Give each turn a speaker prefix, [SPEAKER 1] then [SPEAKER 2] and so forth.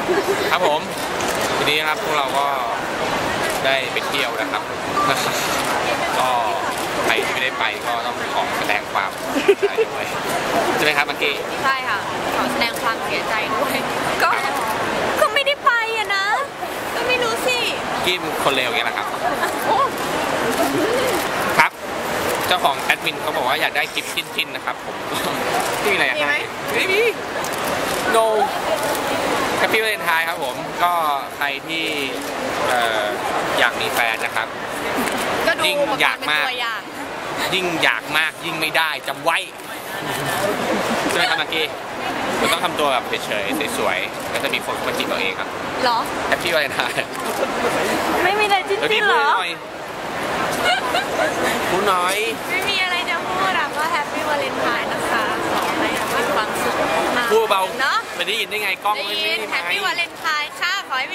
[SPEAKER 1] ครับผมทีนี้ครับพวกเราก็ได้ไปเที่ยวนะครับ ก็ใครที่ไม่ได้ไปก็ต้องขอแสดงความเสียใจด้วยใช่ไหมครับเมื่อกี้
[SPEAKER 2] ใช่ค่ะขอแสดงความเสียใจด้วยก็ไม่ได้ไปอะนะก็ไม่รู้สิ
[SPEAKER 1] กี้คนเลวอย่างนี้แหละครับครับเจ้าของแอดมินเขาบอกว่าอยากได้กิฟต์ชิ้นๆนะครับผมที่มีอะไรอยากให้ไม่มี no แฮปปี้วาเลนไทน์ครับผมก็ใครที่อยากมีแฟนนะครับยิ่งอยากมากยิ่งอยากมากยิ่งไม่ได้จำไว้ใช่ไหมครับเมื่อกี้เราต้องทำตัวแบบเฉยๆสวยๆแล้วจะมีคนมาจีบเราเองครับ
[SPEAKER 2] หรอ
[SPEAKER 1] แฮปปี้วาเลนไทน์
[SPEAKER 2] ไม่มีอะไรจริงๆหรอ
[SPEAKER 1] พูดน้อย
[SPEAKER 2] ไม่มีอะไรจะพูดอะก็แฮปปี้วาเลนไทน์นะคะขอให้มีความสุขมาก
[SPEAKER 1] พูดเบา
[SPEAKER 2] เนาะ
[SPEAKER 1] ไม่ได้ยินได้ไงกล้องไม่
[SPEAKER 2] ได้ยินแฮปปี้วาเลนไทน์ค่ะขอให้